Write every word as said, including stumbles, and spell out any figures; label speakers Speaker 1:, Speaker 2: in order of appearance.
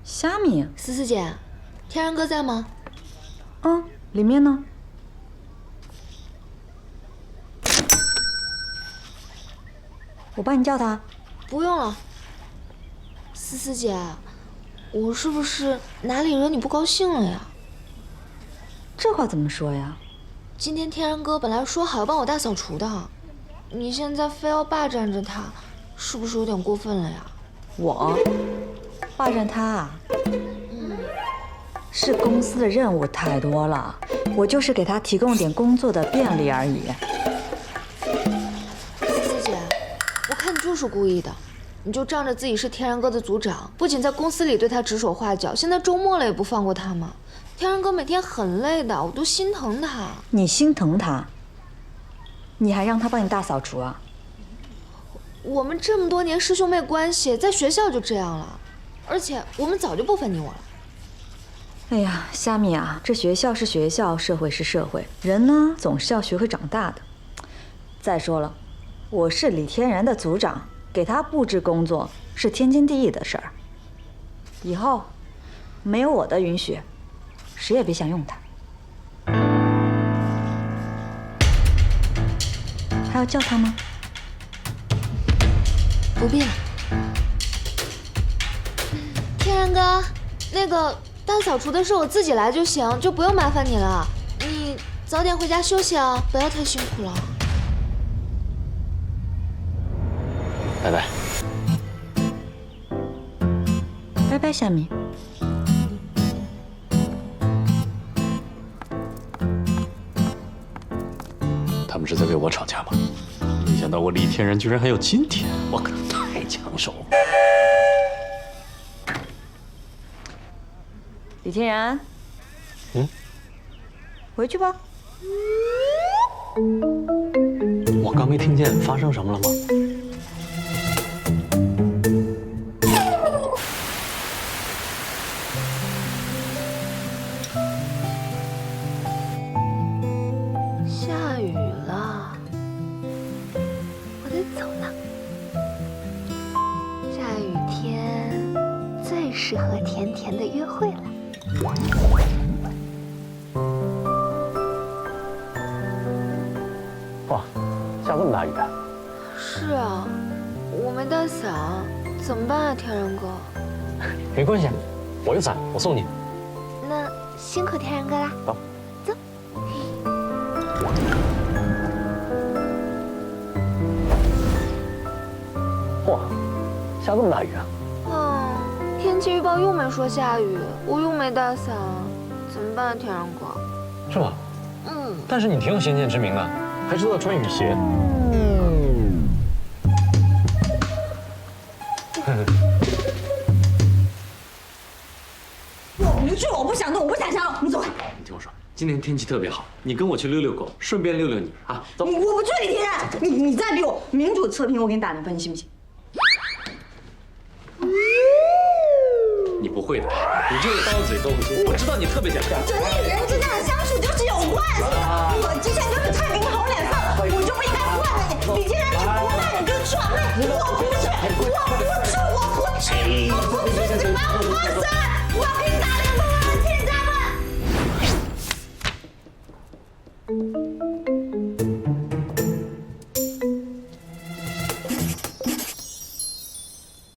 Speaker 1: 虾米，
Speaker 2: 思思姐，天然哥在吗？
Speaker 1: 嗯，里面呢？我帮你叫他。
Speaker 2: 不用了。思思姐，我是不是哪里惹你不高兴了呀？
Speaker 1: 这话怎么说呀？
Speaker 2: 今天天然哥本来说好要帮我大扫除的，你现在非要霸占着他，是不是有点过分了呀？
Speaker 1: 我霸占他啊？
Speaker 2: 嗯，
Speaker 1: 是公司的任务太多了，我就是给他提供点工作的便利而已。
Speaker 2: 思思姐，我看你就是故意的，你就仗着自己是天然哥的组长，不仅在公司里对他指手画脚，现在周末了也不放过他吗？天然哥每天很累的，我都心疼他。
Speaker 1: 你心疼他？你还让他帮你大扫除啊？
Speaker 2: 我们这么多年师兄妹关系，在学校就这样了，而且我们早就不分你我了。
Speaker 1: 哎呀，虾米啊，这学校是学校，社会是社会，人呢总是要学会长大的。再说了，我是李天然的组长，给他布置工作是天经地义的事儿。以后没有我的允许，谁也别想用他。还要叫他吗？
Speaker 2: 不必了。天然哥，那个大扫除的事我自己来就行，就不用麻烦你了。你早点回家休息啊，不要太辛苦了。
Speaker 3: 拜拜。
Speaker 1: 拜拜，虾米。
Speaker 3: 他们是在为我吵架吗？没想到我李天然居然还有今天，我可太抢手了。
Speaker 1: 李天然，
Speaker 3: 嗯，
Speaker 1: 回去吧。
Speaker 3: 我刚没听见发生什么了吗？
Speaker 2: 下雨了，我得走了。下雨天最适合甜甜的约会了。
Speaker 3: 哇，下这么大雨啊！
Speaker 2: 是啊，我没带伞，怎么办啊，天然哥？
Speaker 3: 没关系，我有伞，我送你。
Speaker 2: 那辛苦天然哥啦。
Speaker 3: 走，
Speaker 2: 走。
Speaker 3: 哇，下这么大雨啊！
Speaker 2: 嗯，天气预报又没说下雨，我又没带伞，怎么办啊，天然哥？
Speaker 3: 是吧？
Speaker 2: 嗯，
Speaker 3: 但是你挺有先见之明的，还知道穿雨鞋。
Speaker 4: 我不去，我不想动，我不想想，你走开。
Speaker 3: 你听我说，今天天气特别好，你跟我去遛遛狗，顺便遛遛你啊！走。
Speaker 4: 你我不去，李天然，你你再逼我，民主测评我给你打零分，你信不信？
Speaker 3: 你不会的，你这个刀嘴豆腐心，我知道你特别想干。
Speaker 4: 人与人之间的相处就是有关系的。我之前就是太给你好脸色，我就不应该惯着你。李天然，你不那你就去吧，我不去，我不去，我